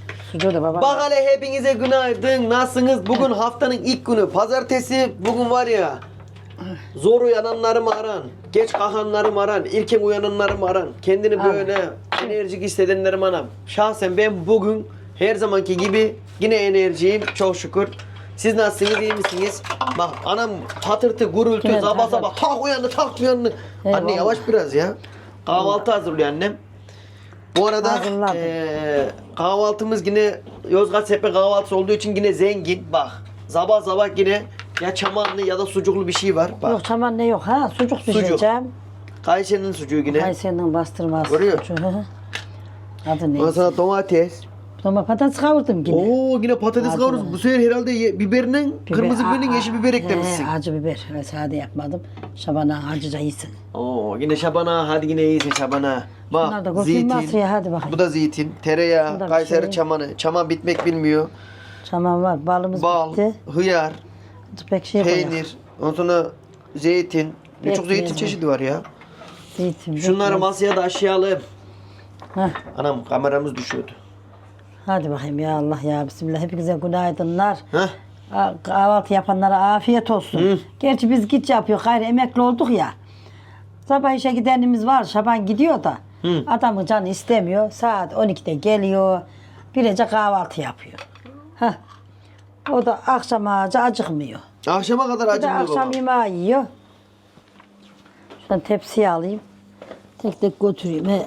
Sucuğu da baba. Bak hele hepinize günaydın. Nasılsınız? Bugün haftanın ilk günü. Pazartesi. Bugün var ya. Zor uyananlarımı aran. Geç kalkanlarımı aran. İlken uyananlarımı aran. Kendini böyle enerjik hissedenlerim anam. Şahsen ben bugün her zamanki gibi yine enerjiyim. Çok şükür. Siz nasılsınız? İyi misiniz? Bak anam patırtı, gurultu, Yine sabah tabii. sabah tak uyandı. Eyvallah. Anne yavaş biraz ya. Kahvaltı hazırlıyor annem. Bu arada Hazırladım. kahvaltımız yine Yozgat Sepe kahvaltısı olduğu için yine zengin. Bak sabah sabah yine ya çamanlı ya da sucuklu bir şey var. Bak Yok çaman ne yok ha? Sucuk pişireceğim. Kayseri'nin sucuğu yine. Kayseri'nin bastırması. Görüyor. Sucuğu. Adı Ondan neyse. sonra domates. Sonra patates kavurdum yine. Oo yine patates Acı kavuruz. mı? Bu sefer herhalde biberinin, kırmızı biberin yeşil biber eklemişsin. Acı biber. Ben sade yapmadım. Şabana acıca iyisin. Oo yine şabana, hadi yine iyisin şabana. Bunlar da Bak kurtulmaz zeytin. ya, hadi bakayım. Bu da zeytin, tereyağı, Şurada bir Kayseri şey. çamanı. Çaman bitmek bilmiyor. Çaman var. Balımız Bal, bitti. hıyar, Pek şey koyalım. peynir, ondan sonra zeytin. Birçok Pekmez zeytin mi? çeşidi var ya. Zeytin. Şunları pekmez. masaya da aşağılayalım. Heh. Anam kameramız düşüyordu. Hadi bakayım ya Allah ya Bismillah. Hepinize günaydınlar. Heh. Kahvaltı yapanlara afiyet olsun. Gerçi biz git yapıyor. Gayrı emekli olduk ya. Sabah işe gidenimiz var. Şaban gidiyor da. Adamın canı istemiyor. Saat 12'de geliyor. Birece kahvaltı yapıyor. Heh. O da akşam ağaca acıkmıyor. Akşama kadar Bir de acımıyor akşam baba. yemeği yiyor. Şuradan tepsiye alayım. Tek tek götüreyim. He.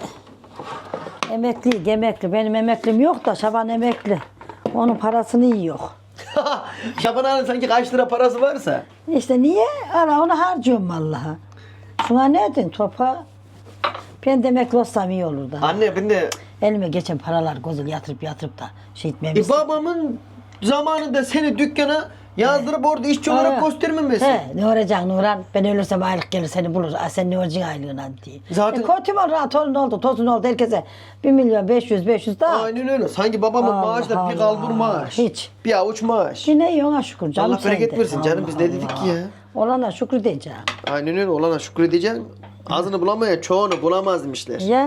Emekli. Benim emeklim yok da Şaban emekli. Onun parasını yiyor. Şaban Hanım sanki kaç lira parası varsa. İşte niye? Ana onu harcıyorum vallahi. Şuna ne edin topa? Ben de emekli olsam iyi olur da. Anne ben de Elime geçen paralar gözül yatırıp da şey etmemişsin. babamın zamanında seni dükkana yazdırıp orada işçi olarak göstermemesi. He, ne olacaksın Nurhan? Ben ölürsem aylık gelir seni bulur. Sen ne olacaksın aylığına diye. Zaten- Kötü mü rahat torun oldu, tozun oldu herkese. 1.500.000 daha. Aynen öyle. Sanki babamın Allah maaşı da bir Allah. kalbur maaş. Hiç. Bir avuç maaş. Yine iyi ona şükür canım. Allah bereket sende. versin canım, biz ne dedik ki ya? Olana şükür diyeceğim. Aynen öyle. Olana şükredeceksin. Azını bulamaya çoğunu bulamaz demişler. Ya.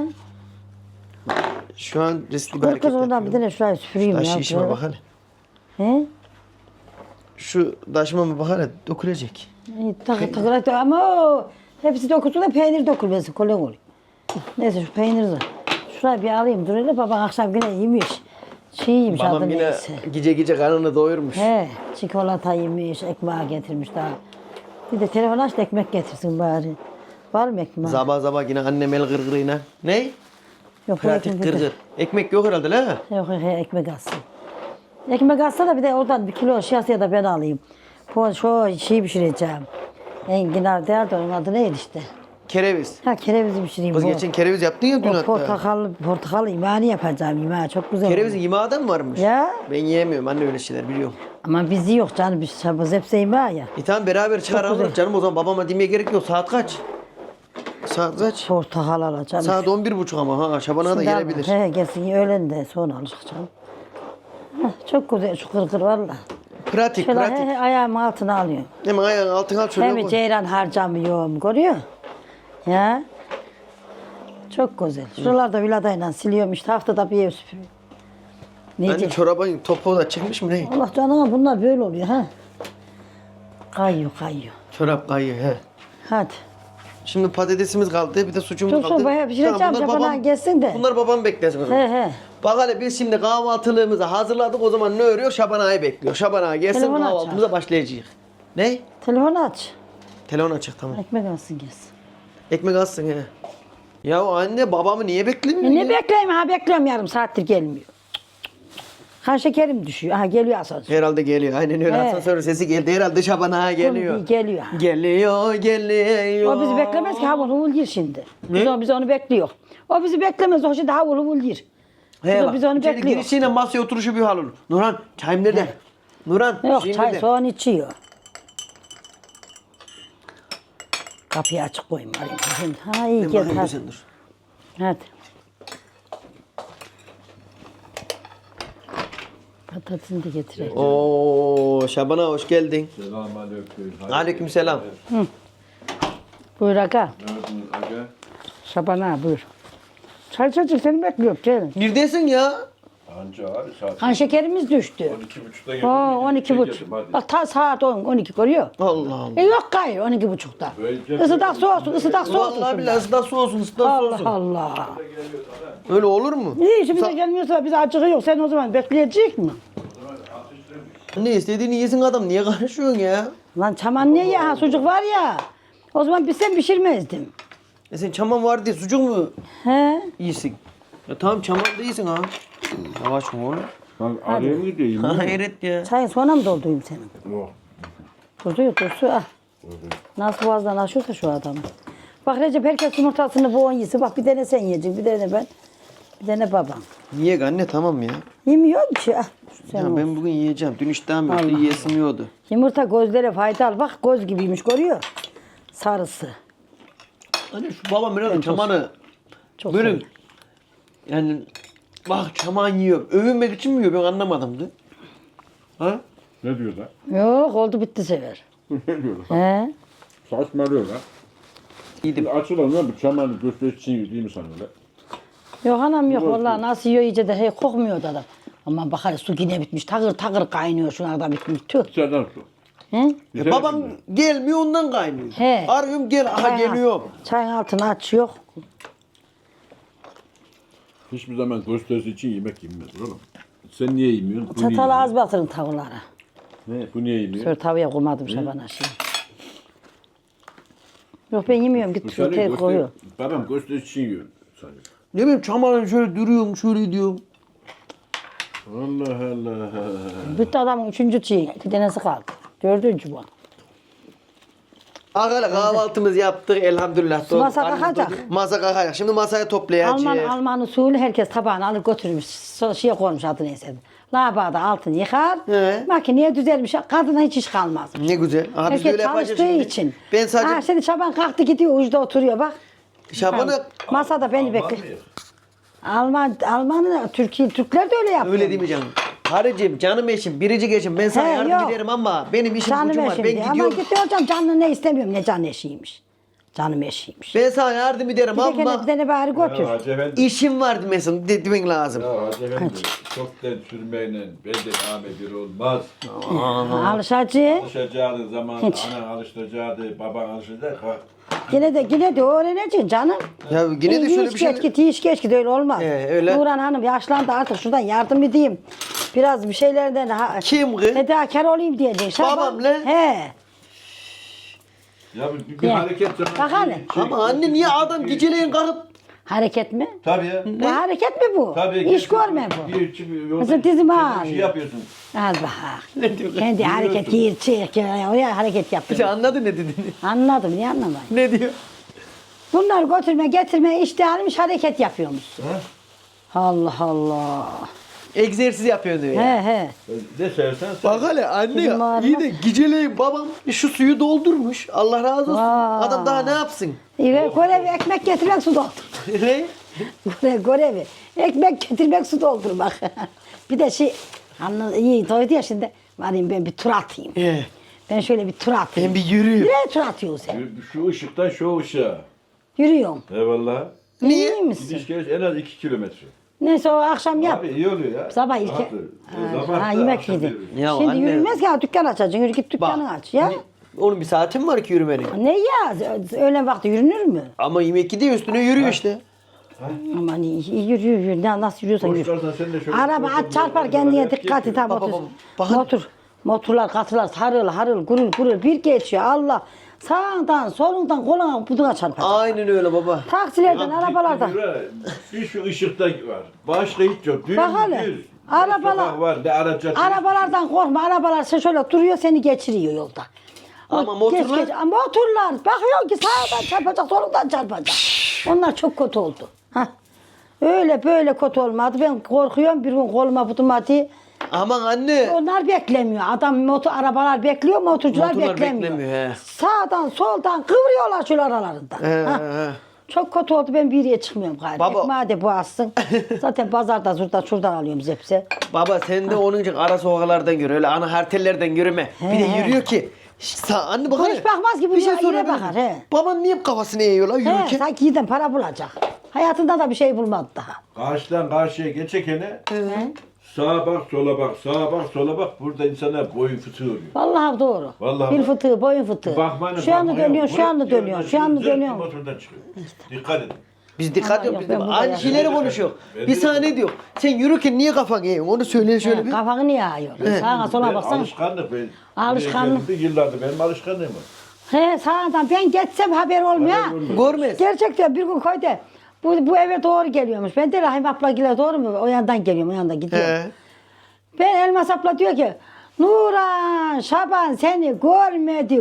Şu an riskli bir Kız hareket oradan bir yapıyorum. tane şurayı süpüreyim Taş ya. işime böyle. bak hele. He? Şu taşıma bak hele dökülecek. Takır ama o hepsi dökülsün de peynir dökülmesin. Kolay oluyor. Neyse şu peyniri de. Şurayı bir alayım. Dur hele baban akşam yine yemiş. Çiğ yemiş Babam adı yine neyse. gece karnını doyurmuş. He, çikolata yemiş, ekmeği getirmiş daha. Bir de telefon aç da ekmek getirsin bari. Var mı ekmek? Sabah yine annem el gırgırıyla. Ne? Yok, Pratik ekmek gırgır. Ekmek yok herhalde la. Yok, ekmek alsın. Ekmek alsa da bir de oradan 1 kilo şişesi da ben alayım. Bu şu şeyi pişireceğim. Enginar derdi onun adı neydi işte. Kereviz. Ha kerevizi pişireyim. Kız bu. geçen kereviz yaptın ya dün O hatta. portakal yemeğini yapacağım yemeği çok güzel. Kerevizin olur. yemeği de mi varmış? Ya. Ben yiyemiyorum anne öyle şeyler biliyorum. Ama bizi yok canım biz şabız hepsi yemeği ya. Tamam beraber çıkar Çok alırız güzel. canım o zaman babama demeye gerek yok. Saat kaç? Saat kaç? Portakal alacağım. Saat 11.30 ama ha Şaban'a da Şimdi gelebilir. He gelsin öğlen de sonra alacak canım. Heh, çok güzel şu kırkır valla. Pratik Şöyle pratik. ayağımın altına alıyorum. Hemen ayağın altına al şöyle Hem koy. ceyran harcamıyorum görüyor. Ya. Çok güzel. Şuralarda viladayla siliyorum işte haftada bir ev süpürüyorum. Ne Anne diyeyim? çorabın topuğu da çıkmış mı ne? Allah canına bunlar böyle oluyor ha. Kayıyor. Çorap kayıyor he. Hadi. Şimdi patatesimiz kaldı bir de sucuğumuz Çok kaldı. sonra bayağı pişireceğim, bunlar Şaban gelsin de. Bunlar babam beklesin. o zaman. He. Bak hele biz şimdi kahvaltılığımızı hazırladık o zaman ne örüyor? Şaban Ağa'yı bekliyor. Şaban Ağa gelsin Telefonu aç kahvaltımıza başlayacağız. Ne? Telefonu aç. Telefon açık tamam. Ekmek alsın gelsin. Ekmek alsın he. Ya anne babamı niye beklemiyor Ne ya? bekleyeyim ha bekliyorum yarım saattir gelmiyor. Kan şekerim düşüyor. Ha geliyor asansör. Herhalde geliyor. Aynen öyle. He. Asansör sesi geldi. Herhalde Şaban Ağa geliyor. Geliyor. Geliyor. O bizi beklemez ki havul huvul gir şimdi. Ne? Biz onu bekliyor. O bizi beklemez o şimdi havul huvul gir. Biz onu İçeri bekliyor. girişiyle masaya oturuşu bir hal olur. Nurhan çayım nerede? Nurhan Yok şeyim çay nerede? soğan içiyor. Kapıyı açık koyayım arayayım. Şimdi. Ha iyi Ben gel bakayım, hadi. sen dur. Hadi. Patatesini de getireyim. Oo Şaban Ağa hoş geldin. Selamünaleyküm. Aleykümselam. Buyur aga. Neredesin aga? Şaban ağa buyur. Çay çocuk seni bekliyorum gelin. Neredesin ya? Anca abi saat Kan şekerimiz düştü. 12.30'da geldim. 12,5. Bak ta saat 10, 12 görüyor. Allah Allah. Yok gayrı 12,5'da. Böyle- Isıdak soğusun, ısıdak soğusun. Vallahi billahi ısıda soğusun, ısıda soğusun. Allah Allah. Öyle olur mu? İyi işi bize gelmiyorsa bize acığı yok. Sen o zaman bekleyecek mi? Ne istediğini yesin adam, niye karışıyorsun ya? Lan çaman niye ya? Ha, sucuk var ya. O zaman biz sen pişirmezdim. Sen çaman var diye sucuk mu He? yiyorsun? Ya tamam çaman değilsin ha. Yavaş mı oğlum? Lan araya mı gideyim? Hayret ya. Çayın sonra mı doldurayım senin? Yok. Durdu ah. Nasıl boğazdan aşıyorsa şu adamı. Bak Recep herkes yumurtasını bu 10 yesin. Bak bir tane sen yiyeceksin, bir tane ben. Bir tane babam. Niye anne tamam ya. Yemiyor ki. Ah, sen Ya ol. ben bugün yiyeceğim. Dün iştahım yoktu, Allah yiyesim yiyordu. Yumurta gözlere faydalı. Bak göz gibiymiş görüyor. Sarısı. Hani şu babam herhalde çamanı Çok böyle seviyorum. yani bak çaman yiyor. Övünmek için mi yiyor ben anlamadım da. Ha? Ne diyor lan? Yok oldu bitti sever. Ne diyor lan? He? Saçmalıyor lan. Yedim. Açılan lan bu çamanı gösterisi için yiyor değil mi sana öyle? Yok anam yok vallahi nasıl yiyor iyice de hey kokmuyor da adam. Ama bak hele su yine bitmiş. Takır takır kaynıyor şuna da bitmiş. Tüh. Senden su. He? Ya babam gelmiyor ondan kaynıyor. He. Arıyorum gel aha Çayın- geliyor. Çayın altını aç yok. Hiçbir zaman gösterisi için yemek yenmez oğlum. Sen niye yemiyorsun? Bu niye Çatalı yemiyor? az batırın tavuklara. Ne? Bu niye yemiyor? Şöyle tavaya koymadım Şaban'a şimdi. Yok ben yemiyorum Bu git seni şuraya koyuyor. Babam gösterisi için yiyor. Sanıyor. Ne bileyim çamanı şöyle duruyorum şöyle diyorum. Allah Allah. Bitti adamın 3. çiğ. 2 tanesi kaldı. 4. bu. Arkadaşlar kahvaltımızı yaptık elhamdülillah. Doğru. Masa Karnımız kalkacak. doydu. Masa kalkacak. Şimdi masaya toplayacağız. Alman usulü herkes tabağını alır götürmüş. Şeye koymuş adı neyse. Lavabada altını yıkar. He. Makineye düzelmiş. Kadına hiç iş kalmaz. Ne güzel. Aha biz de Herkes öyle yapacağız çalıştığı şimdi. için. Ben sadece Ha, şimdi Şaban kalktı gidiyor ucuda oturuyor bak. Şaban'ı Masada beni bekliyor. Alman'ı Türkler de öyle yapıyor. öyle değil mi canım? Karıcığım, canım eşim, biricik eşim. Ben sana He, yardım yok. ederim ama benim işim Canım gücüm var. eşim Ben diye. Ama gidiyorum. gidiyor hocam canlı ne istemiyorum ne can eşiymiş. Canım eşiymiş. Ben sana yardım ederim Bir de gene ama bir tane bari götür. Ya Hacı Efendi. işim var demesin demen lazım. Ya Hacı Efendi. Çok den sürmeyle belde amir olmaz. Alışacı. Alışacağı zaman Hiç. anan alışacağı, baban alışacak. Yine de öğreneceksin canım. Ya yine de şöyle bir şey. Geç git, iş geç git öyle olmaz. Öyle. Nurhan Hanım yaşlandı artık şuradan yardım edeyim. Biraz bir şeylerden Kim kız? fedakar olayım diyeceksin. Şaban- Babam ne? He. Ya bir Ya. hareket Bak hele. Ama anne niye adam geceleyin kalkıp Hareket mi? Tabii ya. Bu hareket mi bu? Tabii. İş görme bu. Mesela Mesela dizimi Bir ağrıyor. şey yapıyorsun. Az bak. Kendi hareket yiyir çık oraya hareket sen yapıyor. anladın ne dediğini? Anladım niye anlamayın. Ne diyor? Bunlar götürme getirme işte almış hareket yapıyormuş. Allah Allah. Egzersiz yapıyor diyor ya. He he. Ne seversen sen. Bak hele anne Bizim ağrımaz. iyi de geceleyin babam şu suyu doldurmuş. Allah razı olsun. Vay. Adam daha ne yapsın? Görevi ekmek getirmek su doldur. Ne? Görevi ekmek getirmek su doldurmak. Bir de iyi doydu ya şimdi. Varayım ben bir tur atayım. Ben şöyle bir tur atayım. Ben bir yürüyeyim. Nereye tur atıyorsun sen? Şu ışıktan şu ışığa. Yürüyorum. Eyvallah. Niye? İyi misin? Gidiş geliş en az 2 kilometre. Neyse o akşam yap. Abi iyi oluyor ya. Sabah ilk. Ha, yemek yedi. Ya Şimdi anne. yürümez ya dükkan açacaksın. Yürü git dükkanı Bak. aç ya. Onun bir saatin var ki yürümenin. Ne ya? Öğlen vakti yürünür mü? Ama yemek gidiyor üstüne yürüyor işte. Aman iyi yürü. Nasıl yürüyorsan yürü. Boşlarsan sen de şöyle. Araba aç çarpar kendine dikkat et ha Bak, motor. bak. Motorlar katılar harıl harıl gurul bir geçiyor Allah. Sağından solundan koluna buduna çarpar. Aynen öyle baba. Taksilerden arabalardan. Bir şu ışıkta var. Başka hiç yok. Düz Bak hele, düz. arabalar- Ne sokak var ne araca. Arabalardan korkma. Arabalar şöyle duruyor seni geçiriyor yolda. Ama motorlar? Motorlar bakıyor ki sağdan çarpacak solundan çarpacak. Onlar çok kötü oldu. Hah. Öyle böyle kötü olmadı. Ben korkuyorum bir gün koluma buduma diye. Aman anne. Onlar beklemiyor. Arabalar bekliyor, motorcular Motorlar beklemiyor. beklemiyor, he. Sağdan soldan kıvırıyorlar şöyle aralarında. Ha. He. Çok kötü oldu ben bir yere çıkmıyorum galiba. Baba- Ekmeği de boğazsın. Zaten pazarda şuradan alıyoruz hepsi. Baba sen de onun için ara sokaklardan yürü. Öyle ana hartellerden yürüme. Bir de He. yürüyor ki. Anne bak Bu hele. hiç bakmaz ki, bu Bir şey yere sorabilir bakar, miyim? he. Baban niye kafasını eğiyor lan He, yürürken? sanki giden para bulacak. Hayatında da bir şey bulmadı daha. Karşıdan karşıya geçekene Sağa bak, sola bak, sağa bak, sola bak. Burada insanlar boyun fıtığı oluyor. Vallahi doğru. Vallahi Bil bak. fıtığı, boyun fıtığı. Bakmanın Şu anda bakma dönüyor, yok. şu anda Buraya dönüyor, şu anda zırt dönüyor. motordan çıkıyor. Dikkat edin. Biz dikkat Ama ediyoruz yok, biz de. ben burada Aynı ya. şeyleri konuşuyor. Bir saniye diyor. Sen yürürken niye kafan eğiyorsun? Onu söyle şöyle bir. Kafanı niye ağıyorsun? Sağa sola Ben baksana. alışkanlık. Alışkanlık. Yıllardır benim alışkanlığım var. He sağdan ben geçsem haber olmuyor. Haber olmuyor. Görmez. Gerçekten bir gün koydu. Bu eve doğru geliyormuş. Ben de Rahim abla doğru mu? O yandan geliyorum, o yandan gidiyorum. He. Ben Elmas abla diyor ki Nuran, Şaban seni görmedi.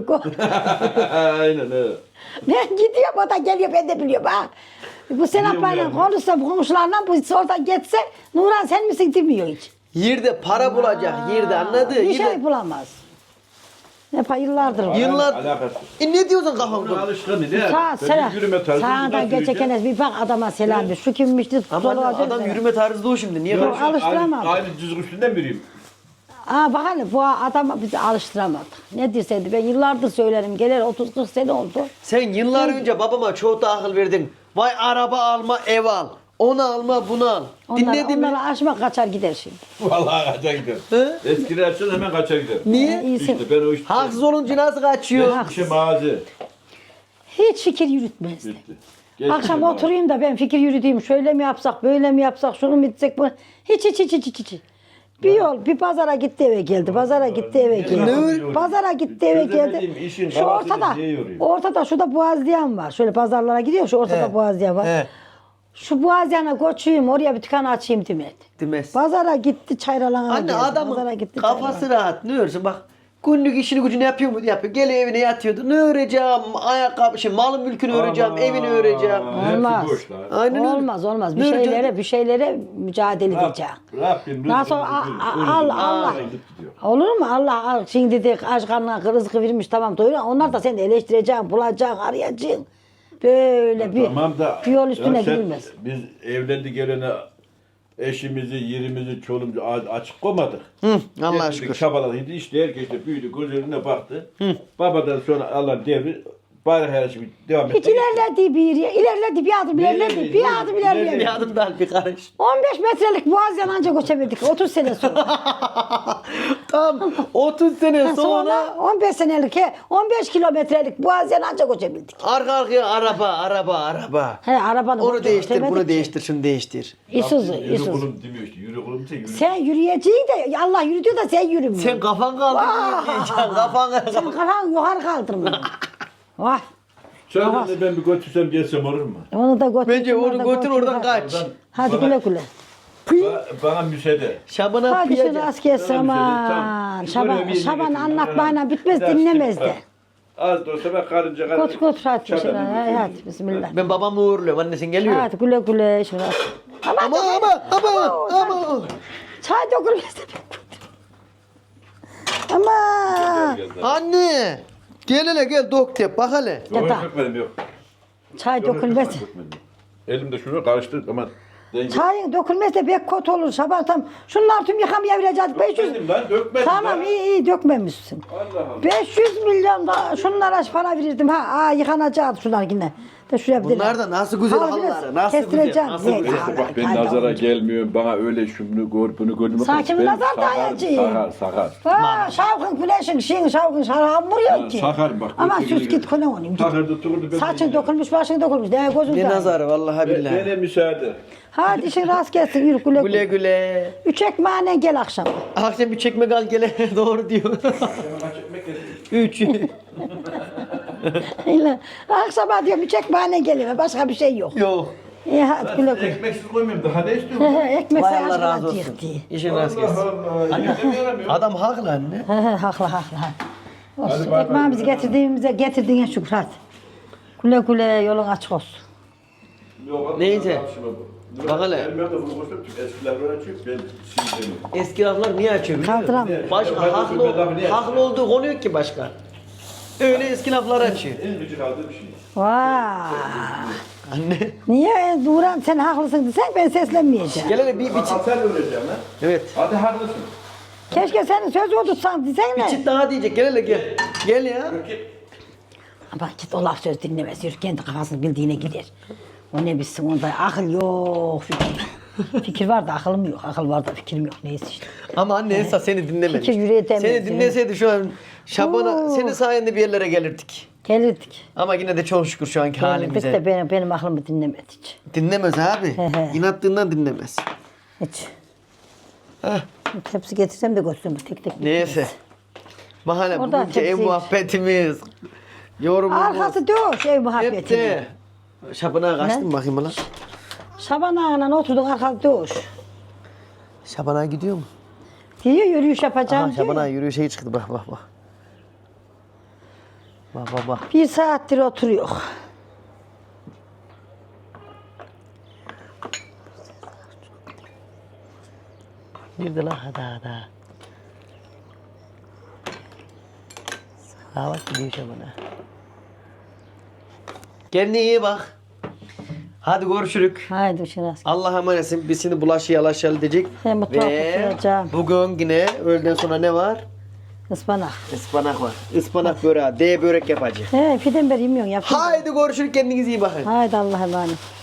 Aynen öyle. Ben gidiyorum, o da geliyor, ben de biliyorum ha. Bu sen Biliyorum ablayla yani. konuşsa, bu komşularla bu oradan geçse Nuran sen misin demiyor hiç. Yerde para bulacak. Yerde anladı. Bir şey Yerde. bulamaz. Hep yıllardır. var. Yıllar. Alakası. Ne diyorsun kafan Onun konu? alışkanlığı ne? Sağ Ben selam. bir yürüme tarzı. Sağdan nasıl geçerken yürüyeceğim? bir bak adama selam ver. Şu kimmişti? Ama Solu adam yürüme tarzı o şimdi. Niye Yok, konuşuyor? alıştıramam. Aynı düzgün üstünden mi yürüyeyim? Aa bak hele bu adamı bizi alıştıramadık. Ne dirseydi ben yıllardır söylerim. Gelir 30-40 sene oldu. Sen yıllar önce babama çok da akıl verdin. Vay araba alma, ev al. Onu alma, bunu al. Dinledin mi? Onları aşmak kaçar gider şimdi. Vallahi kaçar gider. He? Eskiler açın hemen kaçar gider. Niye? İyisin. İşte ben o işte. Haksız olunca nasıl kaçıyor? Geçmişe mazi. Hiç fikir yürütmezdi. Bitti. Geçmişe Akşam mazi. oturayım da ben fikir yürüteyim. Şöyle mi yapsak, böyle mi yapsak, şunu mu etsek, bunu. Hiç. Bir yol, bir pazara gitti eve geldi. Pazara gitti eve geldi. öyle? Pazara gitti eve Çözemediğim geldi. işin Şu kafasını ortada, niye yoruyor? ortada şurada boğazlayan var. Şöyle pazarlara gidiyor, şu ortada He. boğazlayan var. He. Şu boğazlayana koçuyum, oraya bir dükkan açayım demedi. Demez. Pazara gitti çayralana Anne geldi. Pazara adamın gitti, kafası rahat. Ne örüyorsun bak. Günlük işini gücünü yapıyor mu? Yapıyor. Geliyor evine yatıyordu. Ne öreceğim? Ayakkabı, malın mülkünü öreceğim. Aman, Evini öreceğim. hepsi Olmaz. boş lan. Aynen öyle. Olmaz. Ne öreceğim? Bir şeylere mücadele edeceğim. Rabbim Nasıl Allah. Olur mu? Allah şimdi de aç karnına rızkı vermiş tamam doyuruyor. Onlar da seni eleştireceksin, bulacaksın, arayacaksın. Böyle bir yol üstüne gidilmez. Biz evlendi gelene eşimizi, yerimizi, çoluğumuzu açık koymadık. Allah Hep aşkına. bir çabaladık. İşte herkes de büyüdü, göz önüne baktı. Babadan sonra Allah devri bari her şey devam etti. Hiç ilerledi ilerledi bir adım ilerledi, bir adım ilerledi. Bir adım daha bir karış. 15 metrelik boğaz yananca göçebildik 30 sene sonra. Tam 30 sene sonra 15 senelik 15 kilometrelik boğaz yananca göçebildik. arka arkaya araba. He arabanı Onu değiştir, götüremedik bunu ki. değiştir, şunu değiştir. Isuzu. Yürü kulum demiyor işte. Yürü kulum ise yürü. Sen yürüyeceksin de Allah yürütüyor da sen yürümüyorsun. Sen kafan kaldırmıyor diyeceksin. Kafan Sen kafan yukarı kaldırmıyorsun. Vay. Sen de ben bir götürsem gelsem olur mu? Onu da götür. Bence şunları onu da götür oradan hadi. kaç. Hadi güle güle. Bana müsaade. Şabana Hadi şu piyacak. rast gelsin Tamam, aman. tamam. Şaban, Böyle bir Şaban yemek anlatmayla bitmez Biraz dinlemez tip- de. Az da olsa ben karınca karınca. Götür hadi. Çabuk. Hadi bismillah. Ben babamı uğurluyorum. Annesin geliyor. Hadi güle güle şurası. Ama. Çay dökülmez de Ama Anne. Gel hele gel doktor bak hele. Yok Yatağa. dökmedim yok. çay Yok, dökülmez. dökmedim. Elimde şunu karıştır ama denge. Çayın dökülmez de pek kötü olur Şaban tam. Şunlar tüm yıkamaya vereceğiz. 500. Dökmedim lan dökmedim Tamam lan. iyi dökmemişsin. Allah Allah. 500 milyon da şunlara para verirdim ha. Yıkanacak şunlar yine. De şuraya bir Bunlar da nasıl güzel halıları, nasıl kestireceğim. güzel, nasıl güzel. Neyse bak ben nazara gelmiyorum. Bana öyle şunu gör bunu gör. Sakin Ben nazar sakar, dayacı. Sakar. Şavkın güneşin şeyin şavkın şarabı vuruyor ki. Sakar bak. Ama götür sus geri. git kone olayım. Sakar tutuldu. ben Saçın de- dökülmüş başın dökülmüş. Ne gözün Ne sağ. nazarı vallahi billahi. Bana müsaade. Hadi işin rast gelsin yürü güle Güle güle. güle. 3 ekmeğine gel akşam. Akşam bir çekme al gele doğru diyor. 3. Öyle. Akşama diyorum 3 ekmeğine geliyor. Başka bir şey yok. Yok. İyi hadi güle güle. Ekmeksiz koymuyorum. Daha ne istiyorsun? Ekmek Vay sayı Allah razı aşkına olsun. diyekti. İşin rast gelsin. Allah. Yetemiyorum ya. Adam haklı anne. Haklı. Olsun. Hadi bay bay. Ekmeğimizi getirdiğine şükür hadi. Güle güle yolun açık olsun. Yok, Neyse. tartışma bu. Bak hele. Benim evde bunu koşuyorum. Eskiler böyle açıyor. Ben sileceğim. Eski laflar niye açıyor biliyor musun? Kaldıramıyor. Başka haklı olduğu konu yok ki başka. Öyle eski laflar açıyor. En gıcık aldığım şey. Vay. Anne. Niye Duran sen haklısın desen ben seslenmeyeceğim. Gel hele bir Bak çit. sen öğreteceğim lan. Evet. Hadi haklısın. Keşke senin sözü tutsan Bir desene. çit daha diyecek. Gel hele gel. Gel ya. Bak git o laf söz dinlemez. Yürü kendi kafasını bildiğine gider. O ne bilsin onda akıl yok. Fikir. Fikir var da akılım yok. Akıl var da fikrim yok. Neyse işte. Ama anne Esra seni dinlememiş. Fikir yüreğe değmez. Seni dinleseydi şu an Şaban'a Oo. senin sayende bir yerlere gelirdik. Gelirdik. Ama yine de çok şükür şu anki Gelirdik halimize. de benim aklımı dinlemedi hiç. Dinlemez abi. He he. İnattığından dinlemez. Hiç. Heh. Tepsi getirsem de götürürüm tek tek. Neyse. Mahalle Oradan bugünkü ev tepsi- muhabbetimiz. Yorumumuz. Arkası döş ev Hep muhabbeti. de. Şaban'a kaçtın Ne? bakayım lan. Şaban ağayla oturduk arkası döş. Şaban'a gidiyor mu? Diyor yürüyüş Aha yapacağım diyor. Şaban'a yürüyüşe çıktı bak bak bak. Bak bak bak. 1 saattir oturuyor. Girdi lan hadi hadi. Ha bak gidiyor Şaban'a. Kendine iyi bak. Hadi görüşürük. Haydi şurası. Allah'a emanetsin. Biz şimdi bulaşı yalaşalı diyecek. Ben mutfağa götüreceğim. bugün yine öğleden sonra ne var? Ispanak. Ispanak var. Ispanak böreği. D börek yapacağız. He piden beri yemiyorsun yapayım. Haydi görüşürük. Kendinize iyi bakın. Haydi Allah'a emanet.